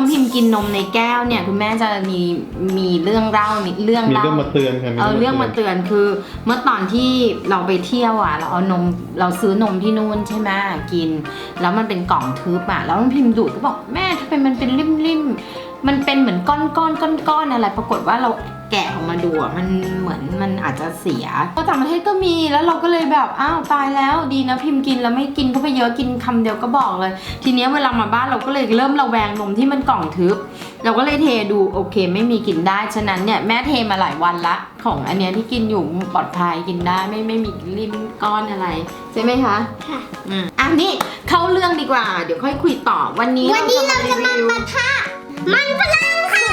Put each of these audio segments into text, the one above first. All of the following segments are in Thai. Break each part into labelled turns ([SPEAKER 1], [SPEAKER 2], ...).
[SPEAKER 1] องพิมพ์กินนมในแก้วเนี่ยคุณแม่จะมีเรื่องเล่ามีเรื่อง
[SPEAKER 2] มาเตือนค่ะ
[SPEAKER 1] เรื่องมาเตือนคือเมื่อตอนที่เราไปเที่ยวอ่ะเราเอานมเราซื้อนมที่นู่นใช่ไหมกินแล้วมันเป็นกล่องทึบอ่ะแล้วน้องพิมพ์ดูดก็บอกแม่ทำไมมันเป็นริ่มมันเป็นเหมือนก้อนอะไรปรากฏว่าเราแกะออกมาดูอ่ะมันเหมือนมันอาจจะเสียก็ต่างประเทศก็มีแล้วเราก็เลยแบบอ้าวตายแล้วดีนะพิมพ์กินแล้วไม่กินเข้าไปเยอะกินคำเดียวก็บอกเลยทีนี้เวลามาบ้านเราก็เลยเริ่มระแวงนมที่มันกล่องทึบเราก็เลยเทดูโอเคไม่มีกินได้ฉะนั้นเนี่ยแม่เทมาหลายวันละของอันเนี้ยที่กินอยู่ปลอดภัยกินได้ไม่มีริ่มก้อนอะไรใช่ไหมคะ
[SPEAKER 3] ค่ะ
[SPEAKER 1] นี่เข้าเรื่องดีกว่าเดี๋ยวค่อยคุยต่อวันนี้
[SPEAKER 3] เราจะมาปะทะมันฝรั่งค่ะ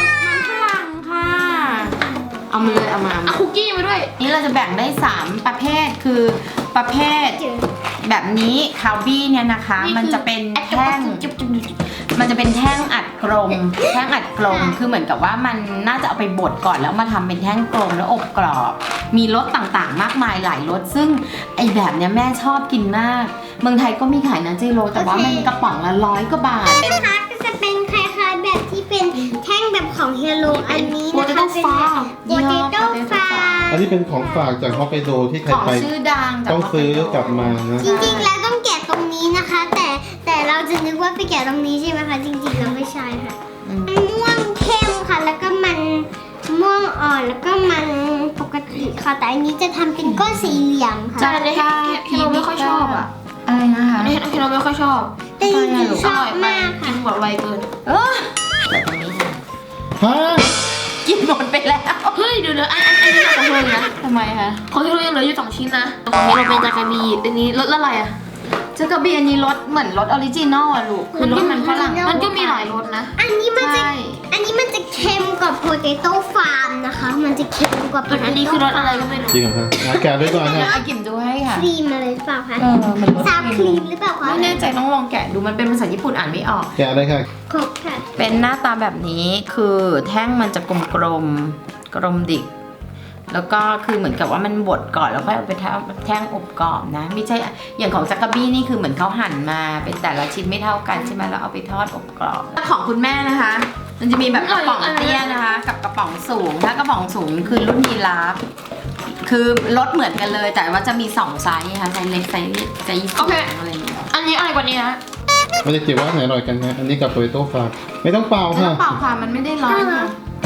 [SPEAKER 1] เอามาเลยเอา
[SPEAKER 4] คุกกี้มาด้วย
[SPEAKER 1] นี่เราจะแบ่งได้3ประเภทคือประเภทแบบนี้คาวบี้เนี่ยนะคะมันจะเป็นแท่งมันจะเป็นแท่งอัดกลมคือเหมือนกับว่ามันน่าจะเอาไปบดก่อนแล้วมาทำเป็นแท่งกลมแล้วอบกรอบมีรสต่างๆมากมายหลายรสซึ่งไอแบบเนี้ยแม่ชอบกินมากเมืองไทยก็มีขายนะเจโรแต่ว่ามันกระป๋องละ100 กว่าบาท
[SPEAKER 3] นะคะก็จะเป็นคล้ายๆแบบที่เป็นแท่งแบบของเฮโลอันนี้นะคะเป็นโปเตโต้ฟาร์
[SPEAKER 2] อันนี้เป็นของฝากจากฮอกไกโดที่ใครไป
[SPEAKER 1] ชื่อดัง
[SPEAKER 2] ต้องซื้อกลับมานะ
[SPEAKER 3] จริงๆแล้วต้องแกะตรงนี้นะคะแต่เราจะนึกว่าไปแกะตรงนี้ใช่ไหมคะจริงๆแล้วไม่ใช่ค่ะม่วงเข้มค่ะแล้วก็มันม่วงอ่อนแล้วก็มันปกติค่ะแต่อันนี้จะทำเป็นก้อนสี่เหลี่ยมค่ะ
[SPEAKER 4] แต่ที่เราไม่ค่อยชอบอ่ะ
[SPEAKER 1] อะไรนะคะ
[SPEAKER 4] ที่เราไม่ค่อยชอบ
[SPEAKER 3] แต่จริงๆชอบมากค่ะ
[SPEAKER 4] กินหมดไวเกิน
[SPEAKER 1] แต่ตรงนี้
[SPEAKER 2] ฮะ
[SPEAKER 1] กินหมดไปแล้ว
[SPEAKER 4] เฮ้ยเดี๋ยวอันนี้ของเรานะ
[SPEAKER 1] ทำไมคะ
[SPEAKER 4] ของที่เรายังเหลืออยู่2 ชิ้นนะของนี้เราเป็นจากาบีอันนี้รสอะไรอ่ะ
[SPEAKER 1] จากาบีอันนี้รสเหมือนรสออริจินอลอะลูกคือรสมันฝรั่ง
[SPEAKER 4] มันก็มีหลายรสนะ
[SPEAKER 3] อันนี้มันจะเค็มกว่าโพเตโต้ฟาร์มนะคะมันจะเค็มกว่า
[SPEAKER 4] อันนี้คือรสอะไรก็ไม่รู้
[SPEAKER 2] จริงเหรอคะแกะด้วยก่อนนะ
[SPEAKER 1] กิมดูให้ค่ะ
[SPEAKER 3] ครีมอะไรหรือเปล่าคะซาครีมหรือเปล่าคะ
[SPEAKER 1] ไม่แน่ใจต้องลองแกะดูมันเป็นภาษาญี่ปุ่นอ่านไม่ออก
[SPEAKER 2] แกะเลยค่ะ
[SPEAKER 3] ครบค่ะ
[SPEAKER 1] เป็นหน้าตาแบบนี้คือแท่งมันจะกลมดิกแล้วก็คือเหมือนกับว่ามันบดก่อนแล้วค่อยเอาไปแท่งอบกรอบนะไม่ใช่อย่างของจักรบี้นี่คือเหมือนเขาหั่นมาเป็นแต่ละชิ้นไม่เท่ากันใช่ไหมแล้วเอาไปทอดอบกรอบของคุณแม่นะคะมันจะมีแบบกระป๋องเตี้ยนะคะกับกระป๋องสูงถ้ากระป๋องสูงคือรุ่นยีราฟคือรสเหมือนกันเลยแต่ว่าจะมี2ไซส์ค่ะไซส์เล็กไซส์
[SPEAKER 4] โอเค
[SPEAKER 1] อะไรอย่างเงี้ย
[SPEAKER 4] อันนี้อะไรกว่านี้นะ
[SPEAKER 2] มันจะเกี่ยวว่าไหนอร่อยกันนะอันนี้กับโปเตโต้ฟาร์มไม่ต้องเป่าค่ะ
[SPEAKER 1] เปล่าค่ะมันไม่ได้ร้อนค่ะ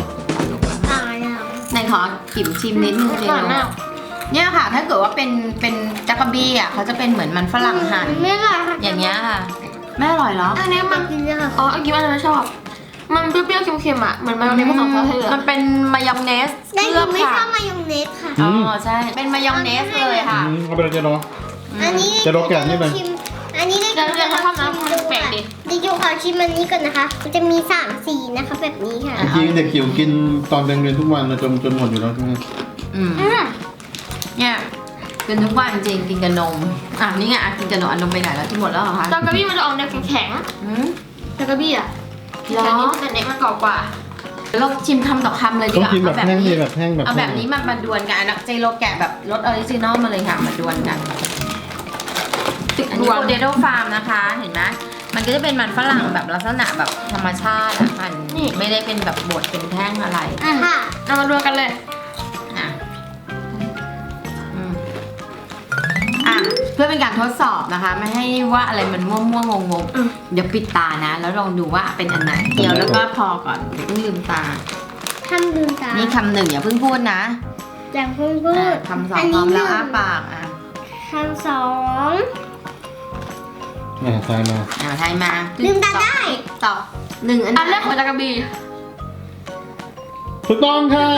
[SPEAKER 1] ไหนขอกิมชิมนิดนึงเลยเนี่ยค่ะถ้าเกิดว่าเป็นจักรบี้อ่ะเขาจะเป็นเหมือนมันฝรั่งหั่นอย่างเงี้ยค่ะแม่อร่อยเหรอ
[SPEAKER 4] อันนี้มันอ๋ออันนี้มันไม่ชอบมันเปรี้ยวๆเค็มๆอ่ะเหมือนมายองเนสผสมซอสเหลือง
[SPEAKER 1] มันเป็นมายองเนส
[SPEAKER 3] แต่หนูไม่ชอบมายองเนสค่ะ
[SPEAKER 1] อ๋อใช่เป็นมายองเนสเลยค่ะ
[SPEAKER 2] เอาไปเลยเจโร
[SPEAKER 3] อันนี้
[SPEAKER 2] เจโรแกะนี่ไป
[SPEAKER 3] อันนี้ได้
[SPEAKER 4] เรื่องเขาทำนะแปลกดิ
[SPEAKER 3] เดี๋ยวขอชิมอันนี้ก่อนนะคะมันจะมี3 สีนะคะแบบนี้ค่ะ
[SPEAKER 2] จริงเด็กจิ๋วกินตอนเรียนทุกวันจนหมดอยู่แล้วใช่ไหม
[SPEAKER 1] เนี่ยกินทุกวันจริงกินกับนมนี่ไงกินกับนมไปไหนแล้วที่หมดแล้วเหรอคะ
[SPEAKER 4] จากาบี้มันจะออกแนวแข็งจากาบี้อ่ะแต่นี้มันเน็กมันกรอบกว่า
[SPEAKER 1] เราชิมคำต่อคำเลยดีกว่า
[SPEAKER 2] เอาแบบนี้
[SPEAKER 1] เอาแบบนี้มาดวลกันเจโรแกะแบบรสออริจินอลมาเลยค่ะมาดวลกันอันนี้โปเตโต้ฟาร์มนะคะเห็นไหมมันก็จะเป็นมันฝรั่งแบบลักษณะแบบธรรมชาติมันไม่ได้เป็นแบบบดเป็นแท่งอะไร
[SPEAKER 3] ค่ะ
[SPEAKER 4] เอามาดวลกันเลย
[SPEAKER 1] เพื่อเป็นการทดสอบนะคะไม่ให้ว่าอะไรมันมั่วงงเดี๋ยวปิดตานะแล้วลองดูว่าเป็นอันไหนเดี๋ยวแล้วก็พอก่อนเดี๋ยวเพิ่งลืมตา
[SPEAKER 3] ลืมตา
[SPEAKER 1] นี่คำ 1อย่าเพิ่งพูดนะ
[SPEAKER 3] อย่าเพิ่งพูด
[SPEAKER 1] คำ 2พร้อมแล้วอ้าปาก
[SPEAKER 3] คำ 2
[SPEAKER 2] ทายมา
[SPEAKER 3] ลืมตาได้
[SPEAKER 1] ต่อ1
[SPEAKER 4] อันแรกของจากาบี
[SPEAKER 2] ถูกต้องค่ะ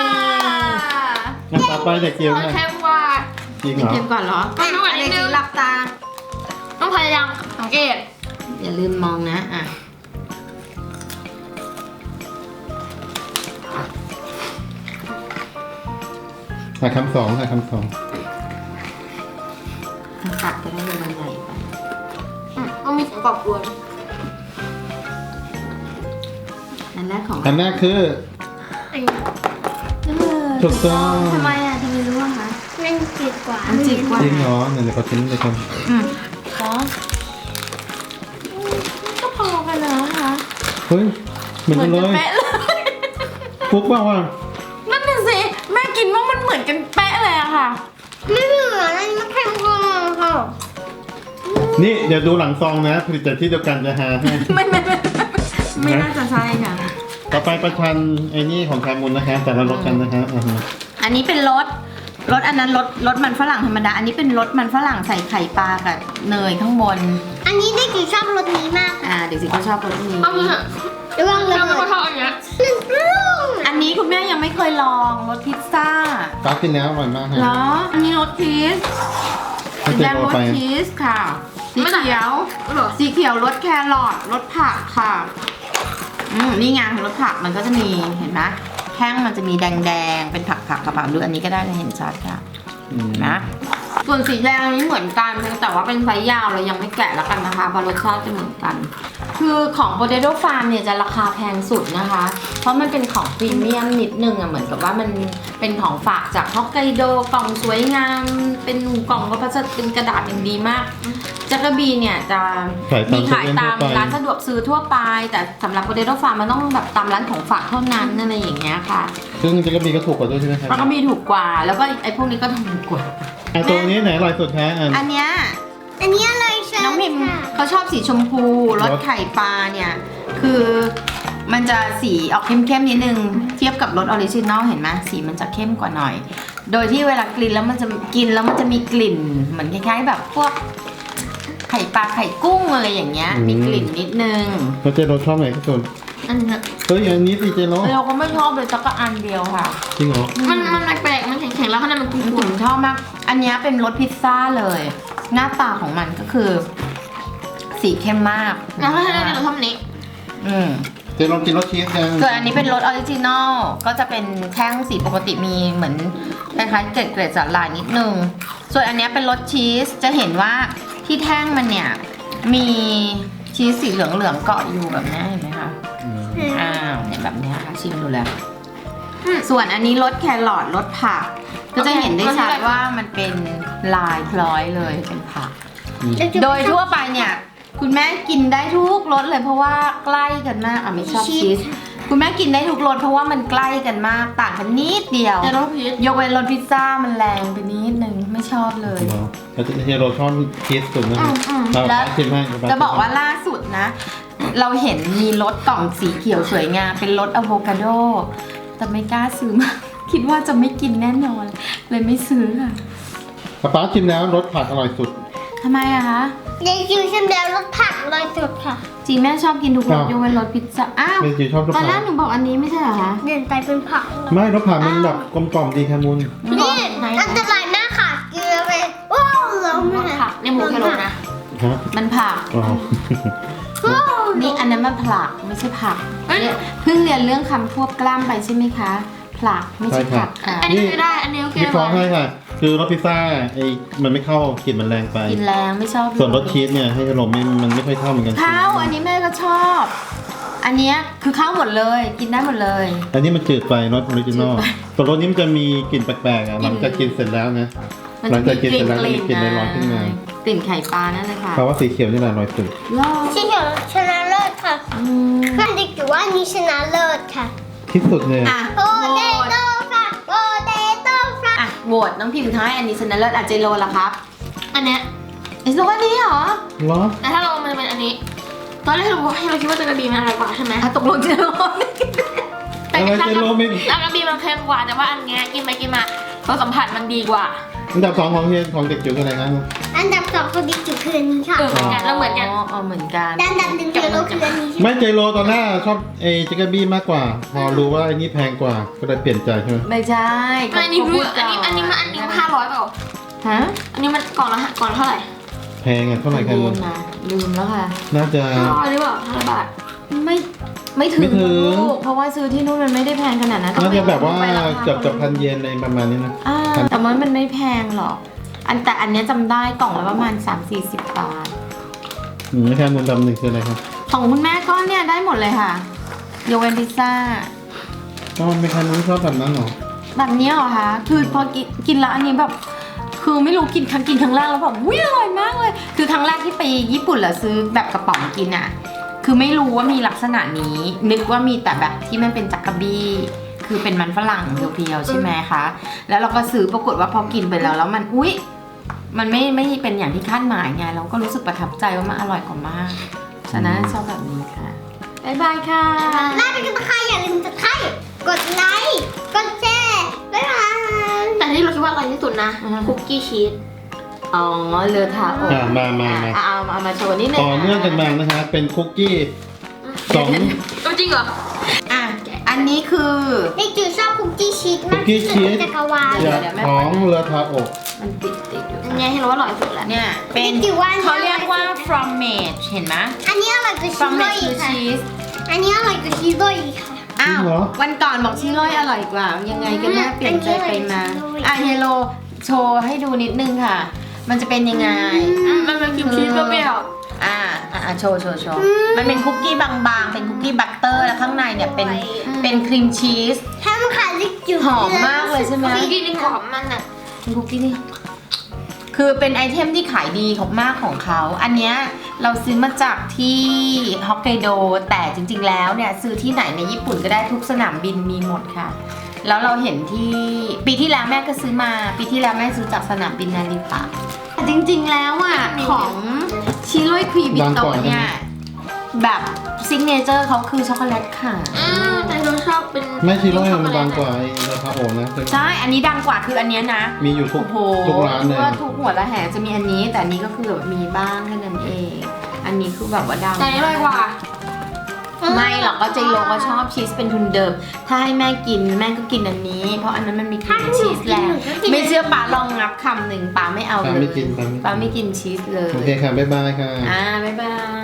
[SPEAKER 2] ต่อไปเด็กจิ๋วค่ะ
[SPEAKER 4] แค่ว่า
[SPEAKER 2] จริงเหรอ
[SPEAKER 1] เก็บก่อนเหรอ
[SPEAKER 4] ไม่รู้อันนี้
[SPEAKER 1] หลับตา
[SPEAKER 4] ต้องพยายามสังเกต
[SPEAKER 1] อย่าลืมมองนะ
[SPEAKER 2] คำ 2ค่ะคำ 2
[SPEAKER 1] ตัดจะได้มันใหญ่ไป
[SPEAKER 4] ต้องมีเสียงกรอบกวน
[SPEAKER 1] อันแรก
[SPEAKER 2] คือถูกต้อง
[SPEAKER 1] ทำไมรู้อะคะ
[SPEAKER 3] มันจืดกว่า
[SPEAKER 1] จ
[SPEAKER 2] ริงเหรอเดี๋ยวเขาทิ้งเลยครับ
[SPEAKER 1] ก็พอกันนะคะ
[SPEAKER 2] เฮ้ยมือนกันเลย
[SPEAKER 1] เป๊ะเลย
[SPEAKER 2] ฟุกว่า
[SPEAKER 1] นั่นน่ะสิแม่กินว่ามันเหมือนกันเป๊ะเลยอะค่ะ
[SPEAKER 3] ไม่เหมือนอันนี้มันเค็มกว่าค่ะ
[SPEAKER 2] นี่เดี๋ยวดูหลังซองนะผลิตจากที่เดียวกันจะหาให้
[SPEAKER 1] ไม่น่าจะใช่ค่ะ
[SPEAKER 2] ต่อไปประชันไอ้นี่ของคามุนนะคะแต่ละรสกันนะคะอ่าฮะ
[SPEAKER 1] อันนี้เป็นรสอันนั้นรสมันฝรั่งธรรมดา อันนี้เป็นรสมันฝรั่งใส่ไข่ปลากับเนยข้างบน
[SPEAKER 3] อันนี้เด็กจิ๋วชอบรสนี้มากค่ะ
[SPEAKER 1] เด็กสิก็ชอบรสนี้
[SPEAKER 4] เอาไปเถอะ
[SPEAKER 3] ระวังเลย
[SPEAKER 4] เราไม่ชอบอันเนี้ย
[SPEAKER 1] อันนี้คุณแม่ยังไม่เคยลองรสพิซซ่า
[SPEAKER 2] ตากินแล้วอร่อยมากฮะ
[SPEAKER 1] เหรอ อันนี้รสชีส
[SPEAKER 2] ให้
[SPEAKER 1] สี
[SPEAKER 2] เจ๊
[SPEAKER 1] แดง
[SPEAKER 2] โร
[SPEAKER 1] รส
[SPEAKER 2] ไป
[SPEAKER 1] ชีสค่ะ สี
[SPEAKER 4] ไม่ต่าง
[SPEAKER 1] เขียว
[SPEAKER 4] เหรอ
[SPEAKER 1] สีเขียวรสแครอทรสผักค่ะนี่ไงรสผักมันก็จะมีเห็นไหมแท่งมันจะมีแดงๆเป็นผักกระเป๋าดูอันนี้ก็ได้เลยเห็นชัดค่ะ
[SPEAKER 2] อืม
[SPEAKER 1] นะส่วนสีแดงอันนี้เหมือนกันเพียงแต่ว่าเป็นไซส์ยาวเรายังไม่แกะแล้วกันนะคะเพราะรสชาติจะเหมือนกัน คือของ Potato Farm เนี่ยจะราคาแพงสุดนะคะ เพราะมันเป็นของพรีเมียมนิดนึงอะเหมือนกับว่ามันเป็นของฝากจากฮอกไกโดกล่องสวยงาม เป็นกล่องพลาสติกเป็นกระดาษอย่างดีมากจักรบีเนี่ยจะมีขายตามร้านสะดวกซื้อทั่วไป แต่สำหรับ Potato Farm มันต้องแบบตามร้านของฝากเท่านั้นอะไรอย่างเงี้ยค่ะ
[SPEAKER 2] ซึ่งเจ๊กระบีก็ถูกกว่าด้วยใช่ไหมครับ
[SPEAKER 1] แล้วก็มีถูกกว่า แล้วก็ไอ้พวกนี้ก็ถูกกว่า
[SPEAKER 2] ตัวนี้ไหนอร่อยสุดคะอ่ะ
[SPEAKER 1] อันเนี้ย
[SPEAKER 3] อันนี้อะไรใช่
[SPEAKER 1] น้องพิมพ์
[SPEAKER 3] ค่ะ
[SPEAKER 1] เขาชอบสีชมพูรสไข่ปลาเนี่ยคือมันจะสีออกเข้มๆนิดนึงเทียบกับรสออริจินอลเห็นไหมสีมันจะเข้มกว่าหน่อย โดยที่เวลากลิ่นแล้วมันจะมีกลิ่นเหมือนคล้ายๆแบบพวกไข่ปลาไข่กุ้งอะไรอย่างเงี้ยมีกลิ่นนิดนึง
[SPEAKER 2] แล้วเจ๊โรชอบไหนที่สุด
[SPEAKER 4] อันเนี้ย
[SPEAKER 2] เฮ้ยอันนี้สิเจ๊โร
[SPEAKER 1] เราก็ไม่ชอบเลยสักอันเดียวค่ะ
[SPEAKER 2] จริงเหรอ
[SPEAKER 4] มันแปลกๆมันแข็งๆแล้วข้างในมันกรุ
[SPEAKER 1] ผม
[SPEAKER 4] น
[SPEAKER 1] ชอบมากอันเนี้ยเป็นรสพิซซ่าเลย หน้าตาของมันก็คือ สีเข้มมมาก
[SPEAKER 4] ๆแล้วถ้าเราชอบอันนี้
[SPEAKER 1] อืม
[SPEAKER 2] เจ๊โรกินรสชีสยัง
[SPEAKER 1] ส่วนอันนี้เป็นรสออริจินอลก็จะเป็นแท่งสีปกติมีเหมือนคล้ายๆเกล็ดสาหร่ายนิดนึง ส่วนอันเนี้ยเป็นรสชีสจะเห็นว่าที่แท่งมันเนี่ยมีชีสสีเหลืองๆเกาะอยู่แบบนี้เห็นไหมคะเนี่ยแบบเนี้ยค่ะชิมดูแล้วส่วนอันนี้รสแครอทรสผัก ก็จะเห็นได้ชัดว่ามันเป็นลายพลอยเลยเป็นผัก โดยทั่วไปเนี่ยคุณแม่กินได้ทุกรสเลยเพราะว่าใกล้กันมากไม่ชอบชีสคุณแม่กินได้ทุกรสเพราะว่ามันใกล้กันมากต่างกันนิดเดียว
[SPEAKER 4] แต่รสพีช
[SPEAKER 1] ยกเว้นรสพิซซ่ามันแรงไปนิดนึงไม่ชอบเลย
[SPEAKER 2] เหรอแล้วเจ๊โรชอบชีสสุดนะฮะเรา
[SPEAKER 1] แล้ว
[SPEAKER 2] ชิมให้
[SPEAKER 1] จะบอกว่าล่าสุดนะ เราเห็นมีรสกล่องสีเขียวสวยงามเป็นรสอะโวคาโดแต่ไม่กล้าซื้อมา คิดว่าจะไม่กินแน่นอนเลยไม่ซื้อค่ะ
[SPEAKER 2] ป๊าชิมแล้วรสผักอร่อยสุด
[SPEAKER 1] ทำไมอะคะ
[SPEAKER 3] เด็กจิ๋วชิมแล้วรสผักเลยสุดค่ะ
[SPEAKER 1] จริงแม่ชอบกินทุกรส
[SPEAKER 2] อ้าว
[SPEAKER 1] ยกเว้นรสพิซซ่าอ้าว
[SPEAKER 2] เจ๊จิ๋วชอบรส
[SPEAKER 1] ตอนแร
[SPEAKER 2] ผั
[SPEAKER 1] ก
[SPEAKER 2] ก
[SPEAKER 1] หนูบอกอันนี้ไม่ใช่เหรอคะ
[SPEAKER 3] เดินไปเป็นผักเลย
[SPEAKER 2] ไม่รสผักมันแบบกลมกล่อมดีคามุน
[SPEAKER 3] นี่อันตรายมากค่ะกินแล้วไปว้าวล้ม
[SPEAKER 4] รสผักในหมูแครอทนะ
[SPEAKER 2] ฮะ
[SPEAKER 1] มันผัก
[SPEAKER 2] อ๋อ
[SPEAKER 1] นี่อันนั้นมันผลักไม่ใช่ผัก
[SPEAKER 4] เอ้ย
[SPEAKER 1] เนี่ยเพิ่งเรียนเรื่องคำควบกล้ำไปใช่ไหมคะผลักไม่ใช่ผักค่ะ
[SPEAKER 4] อันนี้ไม่ได้ อันนี้โอเค
[SPEAKER 2] วิเคราะห์ให้ค่ะ คือรสพิซซ่าไอ้มันไม่เข้ากลิ่นมันแรงไป
[SPEAKER 1] กินแรงไม่ชอบเลย
[SPEAKER 2] ส่วนรสชีสเนี่ยให้ขนมมันไม่ค่อยเข้าเหมือนกัน
[SPEAKER 1] ข้าวอันนี้แม่ก็ชอบ อันเนี้ยคือข้าวหมดเลยกินได้หมดเลย
[SPEAKER 2] อันนี้มันจืดไปรสออริจินอล
[SPEAKER 1] จืดไป
[SPEAKER 2] ส่วนรสนี้มันจะมีกลิ่นแปลกๆอ่ะหลังจากกินเสร็จแล้วนะ หลังจากกินเสร็จแล้วจะมีกลิ่นลอยๆขึ้นมา
[SPEAKER 1] กลิ่นไข่ปลานั่นเลยค่ะ
[SPEAKER 2] เพราะว่าสีเขียวนี่แหละอร่อยสุด
[SPEAKER 1] รอ
[SPEAKER 3] ที่เขียวชนะเลิศค่ะ
[SPEAKER 1] อืม
[SPEAKER 3] เพื่อนเด็กจิ๋วว่านี้ชนะเลิศค่ะ
[SPEAKER 2] ที่สุดเลย
[SPEAKER 1] อ่ะ
[SPEAKER 3] โป
[SPEAKER 1] โห
[SPEAKER 3] เต
[SPEAKER 1] วต
[SPEAKER 3] โต้ค่ะโปเตโต้ค่ะ
[SPEAKER 1] อ่ะโหวตน้องพิมพ์ท้ายอันนี้ชนะเลิศอาเจโรละครับ
[SPEAKER 4] อันเนี้ย
[SPEAKER 1] ไอ้โซอันนี้เหรอ
[SPEAKER 2] เหรอ
[SPEAKER 4] แต่ถ้าเรามันจะเป็นอันนี้ ตอนแรกเราคิดว่าจะกระบีมันอร่อยกว่าใช่ไหม
[SPEAKER 1] อ่ะตกลงเจโร
[SPEAKER 4] แต่
[SPEAKER 2] อะไร
[SPEAKER 4] ถ้า
[SPEAKER 2] เจโรไม่
[SPEAKER 4] กระบีมันเค็มกว่าแต่ว่าอันเนี้ยกินไปกินมารสสัมผัสมันดีกว่า
[SPEAKER 2] อันดับ2ของเฮียของเด็กจิ๋วคืออะไรนะ
[SPEAKER 3] อันดับสองของเด็กจิ๋วคืออันนี้ค่ะ
[SPEAKER 4] เหมือนกันเราเหมือนกัน
[SPEAKER 1] อ๋อเหมือนกัน
[SPEAKER 3] ด้านดับหนึ่งคือเราคืออันนี้ใช่ไหม
[SPEAKER 2] ไม่เจโรตอนแรกชอบไอ้จิกเกอร์บี้มากกว่า พอรู้ว่าไอ้นี่แพงกว่าก็เลยเปลี่ยนใจใช่ไหม
[SPEAKER 1] ไม่ใช่
[SPEAKER 4] อันนี้รู้อันนี้มัน500เปล่า
[SPEAKER 1] ฮะ
[SPEAKER 4] อันนี้มันกล่องละเท่าไหร่
[SPEAKER 2] แพงอ่ะเท่าไหร่กัน
[SPEAKER 1] ลืมนะลืมแล้วค่ะ
[SPEAKER 2] น่าจะ
[SPEAKER 4] 500หรือเปล่า500 บาท
[SPEAKER 1] ไม่ถึง
[SPEAKER 2] ไม่ถึง
[SPEAKER 1] ลูกเพราะว่าซื้อที่นู่นมันไม่ได้แพงขนาดนั้น
[SPEAKER 2] น่าจะแบบว่า
[SPEAKER 1] ไปรค
[SPEAKER 2] เกือบพันเยนอะไรประมาณนี้นะ
[SPEAKER 1] อ่าแต่ว่ามันไม่แพงหรอก แต่อันเนี้ยจำได้กล่องละประมาณ 3-40 บาท
[SPEAKER 2] ไม่ใช่มูลดำหนึ่งคืออะไรครับ
[SPEAKER 1] ของคุณแม่ก็เนี่ยได้หมดเลยค่ะยกเว้นพิซซ่า
[SPEAKER 2] ก็ไม่ใครมูลชอบแบบนั้นหรอ
[SPEAKER 1] แบบเนี้ยเหรอคะคือพอกินแล้วอันนี้แบบคือไม่รู้กินครั้งแรกแล้วแบบอุ้ยอร่อยมากเลย คือครั้งแรกที่ไปญี่ปุ่นแล้วซื้อแบบกระป๋องกินอ่ะ คือคือไม่รู้ว่ามีลักษณะนี้ นึกว่ามีแต่แบบที่มันเป็นจักระบี้คือเป็นมันฝรั่งเพียวๆใช่ไหมคะแล้วเราก็ซื้อปรากฏว่าพอกินไปแล้วมันอุ๊ยมันไม่เป็นอย่างที่คาดหมายไงเราก็รู้สึกประทับใจว่ามันอร่อยกว่ามากฉะนั้นชอบแบบนี้ค่ะบ๊ายบายค่ะ
[SPEAKER 3] ลาไปกันนะคะอย่าลืมจะกดไลค์กดแชร์บ๊ายบาย
[SPEAKER 4] แต่ที่เราคิดว่าอร่อยที่สุดนะคุกกี้ชีส
[SPEAKER 1] อ๋อเรือทาโอก เอามาโชว์นิดนึง
[SPEAKER 2] ต่อเนื่องกันมานะคะเป็นคุกกี้สอง
[SPEAKER 4] จริงเหรอ
[SPEAKER 1] อ่ะอันนี้คือ
[SPEAKER 3] เด็กจิ๋วชอบคุกกี้ชีส
[SPEAKER 2] คุ
[SPEAKER 3] มาก
[SPEAKER 2] กกี้
[SPEAKER 3] ที่สุด
[SPEAKER 2] ชีส
[SPEAKER 3] ในจักรวาล
[SPEAKER 2] ของเรือทาโอก
[SPEAKER 1] มันติดอยู่
[SPEAKER 4] อันนี้ให้เราว่าอร่อยที่สุดแล้ว
[SPEAKER 1] เนี่ยเป็นเขาเรียกว่า fromage เห็นไหม
[SPEAKER 3] อันนี้อร่อยกว่าชีสด้วย
[SPEAKER 1] fromage คือ
[SPEAKER 3] ค่ะ
[SPEAKER 1] ชีส
[SPEAKER 3] อันนี้อร่อยกว่าชีสด้วยค่ะ
[SPEAKER 1] อ้าววันก่อนบอกชิโร่อร่อยกว่ายังไงกันแน่เปลี่ยนใจไปมาอ่ะเฮโลโชว์ให้ดูนิดนึงค่ะ มันจะเป็นยังไง
[SPEAKER 4] มันเป็นครีมชีสเปรี้ยว
[SPEAKER 1] โชว์มันเป็นคุกกี้บางๆเป็นคุกกี้บัตเตอร์แล้วข้างในเนี่ยเป็นครีมชีส
[SPEAKER 3] ถ้ามันขาดเด็กจิ๋ว
[SPEAKER 1] หอมมากเลยใช่ไหม
[SPEAKER 4] ๆคุกกี้นี่กรอบมันอ่ะ
[SPEAKER 1] คุกกี้นี่คือเป็นไอเทมที่ขายดีของมากของเขาอันเนี้ยเราซื้อมาจากที่ฮอกไกโดแต่จริงๆแล้วเนี่ยซื้อที่ไหนในญี่ปุ่นก็ได้ทุกสนามบินมีหมดค่ะ แล้วเราเห็นที่ปีที่แล้วแม่ก็ซื้อมาปีที่แล้วแม่ซื้อจากสนามบินนาริตะจริงๆแล้วอ่ะของชิโร่ครีบิโตะเนี่ยแบบซิกเนเจอร์เขาคือช็อกโกแลตค่ะ
[SPEAKER 4] แต่เราชอบเป็น
[SPEAKER 2] ไม่ชิโร่มันดังกว่าไอ้เรือทาโอกนะ
[SPEAKER 1] ใช่อันนี้ดังกว่าคืออันเนี้ยนะ
[SPEAKER 2] มีอยู่ทุก
[SPEAKER 1] โอ้โห
[SPEAKER 2] ทุกร้านเลย
[SPEAKER 1] ว่าทุกหัวละแหงจะมีอันนี้แต่อันนี้ก็คือแบบมีบ้างแค่นั้นเอง อันนี้คือแบบว่าดัง
[SPEAKER 4] แต่อร่อยกว่า
[SPEAKER 1] ไม่หรอกก็เจโลก็ชอบชีสเป็นทุนเดิม ถ้าให้แม่กินแม่ก็กินอันนี้ เพราะอันนั้นมันมีครีมชีสแล้ว ไม่เชื่อป้าลองงับคำหนึ่งป้าไม่เอา
[SPEAKER 2] ป้า
[SPEAKER 1] เลย
[SPEAKER 2] ไม่กิน
[SPEAKER 1] ป้าไม่กินชีสเลย
[SPEAKER 2] โอเคค่ะบ๊ายบายค่ะ
[SPEAKER 1] บ๊ายบาย